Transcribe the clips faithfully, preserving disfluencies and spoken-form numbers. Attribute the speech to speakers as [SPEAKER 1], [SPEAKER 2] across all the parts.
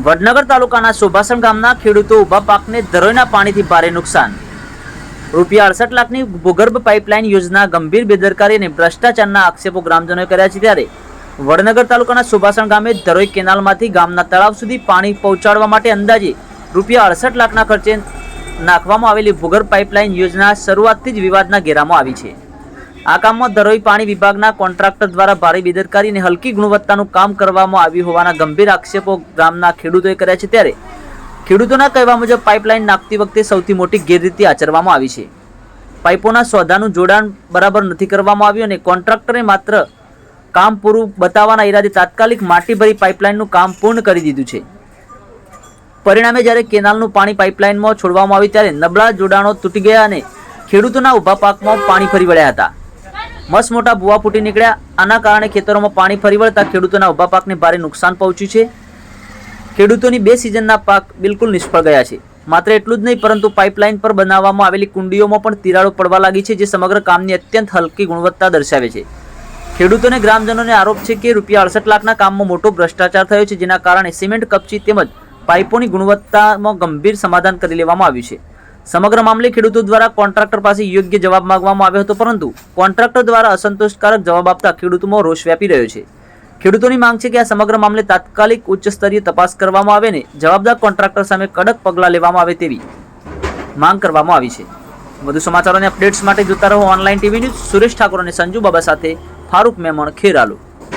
[SPEAKER 1] વડનગર તાલુકાના સુભાષણ ગામના ખેડૂતો ઊભા પાકને ધરોઈના પાણીથી ભારે નુકસાન. રૂપિયા અડસઠ લાખની ભૂગર્ભ પાઇપલાઇન યોજના ગંભીર બેદરકારી અને ભ્રષ્ટાચારના આક્ષેપો ગ્રામજનોએ કર્યા છે. ત્યારે વડનગર તાલુકાના સુભાષણ ગામે ધરોઈ કેનાલમાંથી ગામના તળાવ સુધી પાણી પહોંચાડવા માટે અંદાજે રૂપિયા અડસઠ લાખના ખર્ચે નાખવામાં આવેલી ભૂગર્ભ પાઇપલાઇન યોજના શરૂઆતથી જ વિવાદના ઘેરામાં આવી છે. આ કામમાં ધરોઈ પાણી વિભાગના કોન્ટ્રાક્ટર દ્વારા ભારે બેદરકારી અને હલકી ગુણવત્તાનું કામ કરવામાં આવ્યું હોવાના ગંભીર આક્ષેપો ગામના ખેડૂતોએ કર્યા છે. ત્યારે ખેડૂતોના કહેવા મુજબ પાઇપલાઇન નાખતી વખતે સૌથી મોટી ગેરરીતિ આચરવામાં આવી છે. પાઇપોના સોદાનું જોડાણ બરાબર નથી કરવામાં આવ્યું અને કોન્ટ્રાક્ટરે માત્ર કામ પૂરું બતાવવાના ઈરાદે તાત્કાલિક માટી ભરી પાઇપલાઇનનું કામ પૂર્ણ કરી દીધું છે. પરિણામે જ્યારે કેનાલનું પાણી પાઇપલાઇનમાં છોડવામાં આવ્યું ત્યારે નબળા જોડાણો તૂટી ગયા અને ખેડૂતોના ઊભા પાકમાં પાણી ફરી વળ્યા હતા. મસ્ત મોટા ભૂવા ફૂટી નીકળ્યા. આના કારણે ખેતરોમાં પાણી ફરી વળતા ખેડૂતોના ઊભા પાકને ભારે નુકસાન પહોંચ્યું છે. ખેડૂતોની બે સિઝનના પાક બિલકુલ નિષ્ફળ ગયા છે. માત્ર એટલું જ નહીં પરંતુ પાઇપલાઇન પર બનાવવામાં આવેલી કુંડીઓમાં પણ તિરાડો પડવા લાગી છે, જે સમગ્ર કામની અત્યંત હલકી ગુણવત્તા દર્શાવે છે. ખેડૂતોને ગ્રામજનોને આરોપ છે કે રૂપિયા અડસઠ લાખના કામમાં મોટો ભ્રષ્ટાચાર થયો છે, જેના કારણે સિમેન્ટ કપચી તેમજ પાઇપોની ગુણવત્તામાં ગંભીર સમાધાન કરી લેવામાં આવ્યું છે. સમગ્ર મામલે ખેડૂતો દ્વારા કોન્ટ્રાક્ટર પાસે યોગ્ય જવાબ માંગવામાં આવ્યો હતો, પરંતુ કોન્ટ્રાક્ટર દ્વારા અસંતોષકારક જવાબ આપતા ખેડૂતોમાં રોષ વ્યાપી રહ્યો છે. ખેડૂતોની માંગ છે કે આ સમગ્ર મામલે તાત્કાલિક ઉચ્ચ સ્તરીય તપાસ કરવામાં આવે અને જવાબદાર કોન્ટ્રાક્ટર સામે કડક પગલાં લેવામાં આવે તેવી માંગ કરવામાં આવી છે. વધુ સમાચારો અને અપડેટ્સ માટે જોતા રહો online TV news. Suresh Thakor અને સંજુ બાબા સાથે ફારૂક મેમણ, ખેરાલુ.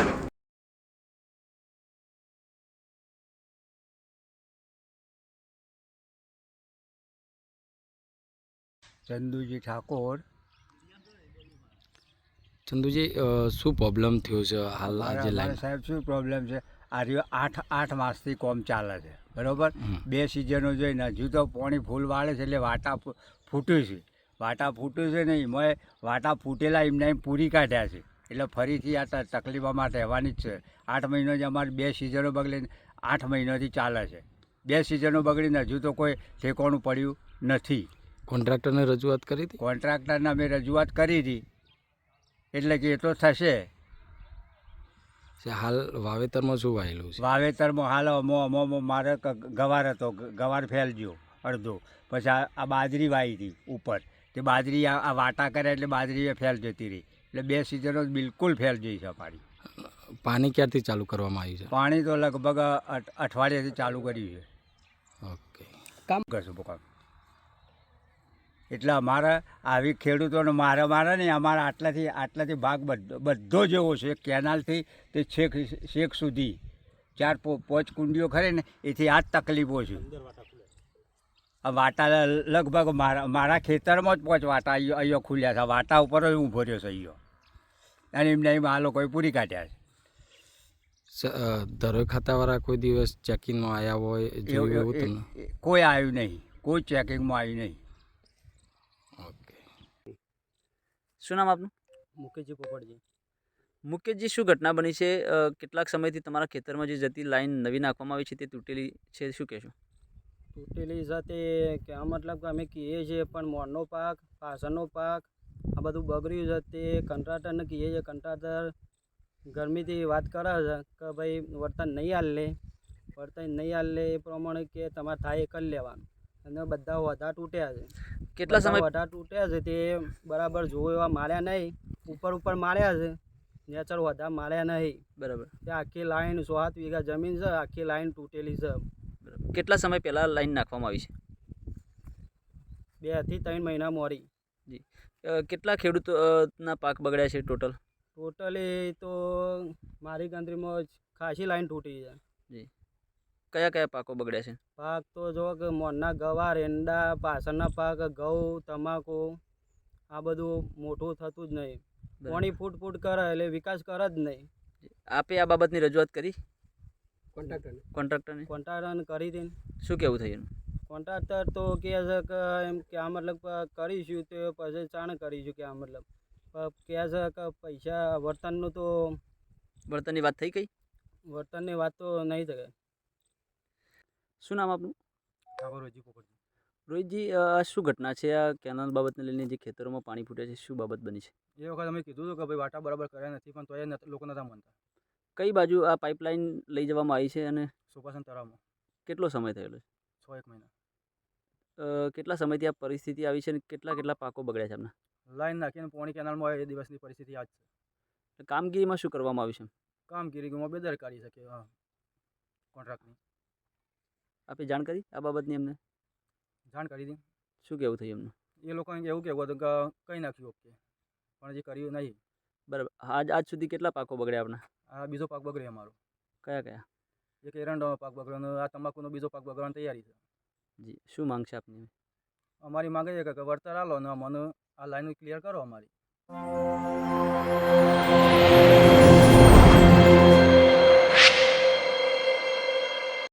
[SPEAKER 2] ચંદુજી ઠાકોર.
[SPEAKER 3] ચંદુજી શું પ્રોબ્લેમ થયો છે હાલ આજે લાઈન?
[SPEAKER 2] સાહેબ શું પ્રોબ્લેમ છે? આ રહ્યો આઠ આઠ માસથી કોમ ચાલે છે, બરાબર. બે સિઝનો જોઈને હજુ તો પાણી ફૂલ વાળે છે એટલે વાટા ફૂટ્યું છે. વાટા ફૂટ્યું છે ને એમાં વાટા ફૂટેલા એમને એમ પૂરી કાઢ્યા છે, એટલે ફરીથી આ તકલીફ અમારે રહેવાની જ છે. આઠ મહિનો જ અમારે બે સિઝનો બગડીને આઠ મહિનાથી ચાલે છે. બે સિઝનો બગડીને હજુ તો કોઈ ઠેકાણું પડ્યું નથી.
[SPEAKER 3] કોન્ટ્રાક્ટરને રજૂઆત કરી હતી?
[SPEAKER 2] કોન્ટ્રાક્ટરને અમે રજૂઆત કરી હતી, એટલે કે એ તો થશે.
[SPEAKER 3] હાલ વાવેતરમાં શું વાયેલું છે?
[SPEAKER 2] વાવેતરમાં હાલ અમો અમો મારે ગવાર હતો, ગવાર ફેલજો અડધો. પછી આ આ બાજરી વાવી હતી ઉપર, તે બાજરી આ વાટા કર્યા એટલે બાજરી ફેલ જતી રહી. એટલે બે સિઝનો બિલકુલ ફેલ જઈ છે પાણી.
[SPEAKER 3] પાણી ક્યારથી ચાલુ કરવામાં આવ્યું છે?
[SPEAKER 2] પાણી તો લગભગ અઠવાડિયાથી ચાલુ કર્યું છે.
[SPEAKER 3] ઓકે,
[SPEAKER 2] કામ કરશું કામ. એટલે અમારા આવી ખેડૂતોને મારે મારે નહીં, અમારા આટલાથી આટલાથી ભાગ બધો બધો જેવો છે. કેનાલથી તે છેક છેક સુધી ચાર પાંચ કુંડીઓ ખરે ને એથી આ જ તકલીફો છે. આ વાટા લગભગ મારા મારા ખેતરમાં જ પાંચ વાટા અહીંયા અહીંયા ખુલ્યા છે. વાટા ઉપર જ ઊભો રહ્યો છે અહીંયા, અને એમને એમ આ લોકોએ પૂરી કાઢ્યા છે.
[SPEAKER 3] ધરોઈ ખાતાવાળા કોઈ દિવસ ચેકિંગમાં આવ્યા હોય જોયું એવું તમને?
[SPEAKER 2] કોઈ આવ્યું નહીં, કોઈ ચેકિંગમાં આવ્યું નહીં.
[SPEAKER 1] શું નામ આપનું?
[SPEAKER 4] મુકેશજી પોપટજી.
[SPEAKER 1] મુકેશજી, શું ઘટના બની છે? કેટલાક સમયથી તમારા ખેતરમાં જે જતી લાઈન નવી નાખવામાં આવી છે તે તૂટેલી છે, શું કહેશો?
[SPEAKER 4] તૂટેલી સાથે કે આ મતલબ કે અમે કહીએ છીએ, પણ મોરનો પાક, પાછળનો પાક આ બધું બગડ્યું છે. તે કંટ્રાક્ટરને કહીએ છીએ, કંટ્રાક્ટર ગરમીથી વાત કરે છે કે ભાઈ વર્તન નહીં હાલ લે, વર્તન નહીં હાલ લે એ પ્રમાણે કે તમારે થાય એ કરી લેવાનું. અને બધા વધા તૂટ્યા છે.
[SPEAKER 1] કેટલા સમય
[SPEAKER 4] વધા તૂટ્યા છે તે બરાબર જોવો એવા માર્યા નહીં. ઉપર ઉપર માર્યા છે, નેચર વધા માર્યા નહીં.
[SPEAKER 1] બરાબર.
[SPEAKER 4] તે આખી લાઈન સો સાત વીઘા જમીન છે, આખી લાઈન તૂટેલી છે.
[SPEAKER 1] બરાબર. કેટલા સમય પહેલાં લાઈન નાખવામાં આવી છે?
[SPEAKER 4] બેથી ત્રણ મહિના મોરી.
[SPEAKER 1] જી. કેટલા ખેડૂતોના પાક બગડ્યા છે ટોટલ?
[SPEAKER 4] ટોટલી તો મારી ગણતરીમાં ખાસી લાઈન તૂટી છે.
[SPEAKER 1] જી. કયા કયા પાકો બગડ્યા છે?
[SPEAKER 4] પાક તો જો કે મોરના ગવાર, એંડા, પાછળના પાક, ઘઉં, તમાકુ આ બધું મોટું થતું જ નહીં. પાણી ફૂટ ફૂટ કરે એટલે વિકાસ કરે જ નહીં.
[SPEAKER 1] આપે આ બાબતની રજૂઆત કરી
[SPEAKER 4] કોન્ટ્રાક્ટરને
[SPEAKER 1] કોન્ટ્રાક્ટરને
[SPEAKER 4] કોન્ટ્રાક્ટરને કરી હતી.
[SPEAKER 1] શું કહેવું થયું?
[SPEAKER 4] કોન્ટ્રાક્ટર તો કહે છે કે એમ કે આ મતલબ કરીશું તો પછી ચાણ કરીશું કે આ મતલબ કહે છે કે પૈસા વર્તનનું તો
[SPEAKER 1] વર્તનની વાત થઈ ગઈ?
[SPEAKER 4] વર્તનની વાત તો નહીં થાય.
[SPEAKER 1] શું નામ આપનું?
[SPEAKER 4] ઠાકોર રોહિતજી પોપટજી.
[SPEAKER 1] રોહિતજી, આ શું ઘટના છે? આ કેનાલ બાબતને લઈને જે ખેતરોમાં પાણી ફૂટ્યા છે, શું બાબત બની છે?
[SPEAKER 4] એ વખત અમે કીધું હતું કે ભાઈ વાટા બરાબર કર્યા નથી, પણ તો એ લોકો નતા માનતા.
[SPEAKER 1] કઈ બાજુ આ પાઇપલાઇન લઈ જવામાં આવી છે અને
[SPEAKER 4] સુભાષણ તળાવમાં?
[SPEAKER 5] કેટલો સમય થયેલો છે?
[SPEAKER 6] છ એક મહિના.
[SPEAKER 5] અ, કેટલા સમયથી આ પરિસ્થિતિ આવી છે અને કેટલા કેટલા પાકો બગડ્યા છે એમના?
[SPEAKER 6] લાઈન નાખીને પોણી કેનાલમાં હોય એ દિવસની પરિસ્થિતિ આ જ છે.
[SPEAKER 5] એટલે કામગીરીમાં શું કરવામાં આવ્યું છે?
[SPEAKER 6] કામગીરીમાં બેદરકારી શકે હા કોન્ટ્રાક્ટની.
[SPEAKER 5] આપે જાણ કરી આ બાબતની એમને?
[SPEAKER 6] જાણ કરી હતી.
[SPEAKER 5] શું કહેવું થયું એમનું?
[SPEAKER 6] એ લોકોને એવું કહેવું હતું કે કંઈ નાખ્યું ઓકે, પણ હજી કર્યું નહીં.
[SPEAKER 5] બરાબર. આજ આજ સુધી કેટલા પાકો બગડ્યા આપણા?
[SPEAKER 6] આ બીજો પાક બગડ્યો અમારો.
[SPEAKER 5] કયા કયા?
[SPEAKER 6] એક એરંડાનો પાક બગડ્યો, આ તમાકુનો બીજો પાક બગડવાની તૈયારી છે.
[SPEAKER 5] જી, શું માંગ છે આપની?
[SPEAKER 6] અમારી માંગે છે કે વળતર આલો ને મને આ લાઈન ક્લિયર કરો અમારી.